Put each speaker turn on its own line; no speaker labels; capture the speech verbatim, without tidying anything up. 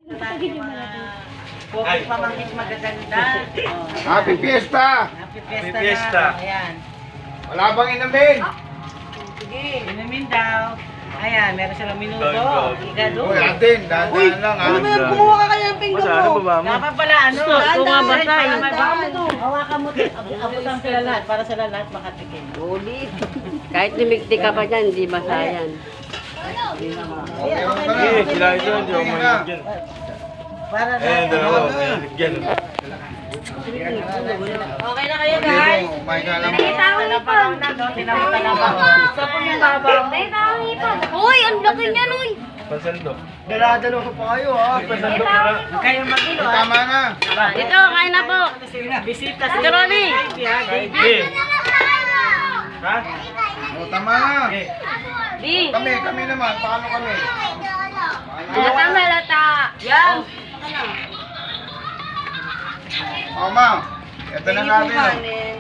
Pogi pamangkin magaganda. Oh.
Happy Fiesta!
Happy Fiesta.
Happy Fiesta.
Na. Ayan.
Wala bang inumin?
Sige, inumin daw. Ayan, meron silang minuto.
Go, go.
Iga doon.
Uy, atin, dahan-dahan lang ha.
Ano ba yan? Kumuha ka kaya ng pinggan
Masa, ano
mo.
ba ba mo?
Dapat pala ano?
Ito nga ba
Dahan-dahan,
tayo?
baka mo to. Hawakan mo to. Abutan sila lahat para sila lahat makatikim.
Ulit. Kahit limigti ka pa dyan, di masayan.
Okay,
Ayan, okay na.
Eh,
okay
sila
na.
ito, hindi ako mahilig dyan.
Para
Eh,
na.
dalawa, mahilig dyan.
Okay na kayo guys.
Oh my God.
Talapaw na, no? Tinawag talapaw. Sa pumibabaw.
Uy, ang laki niyan, uy!
Pansandok.
Daladalo ko pa kayo ha.
Pansandok ka na.
Kayo mag-ilo ah.
Tama na.
Ito, kain na po.
Bisita si
Ronnie.
Baby, ha? Baby.
Eh. Ha?
O, tama na.
Eh.
Di.
Kami, kami naman. Paano kami?
Lata, malata. Yan.
O, ma'am. Ito na natin. oh.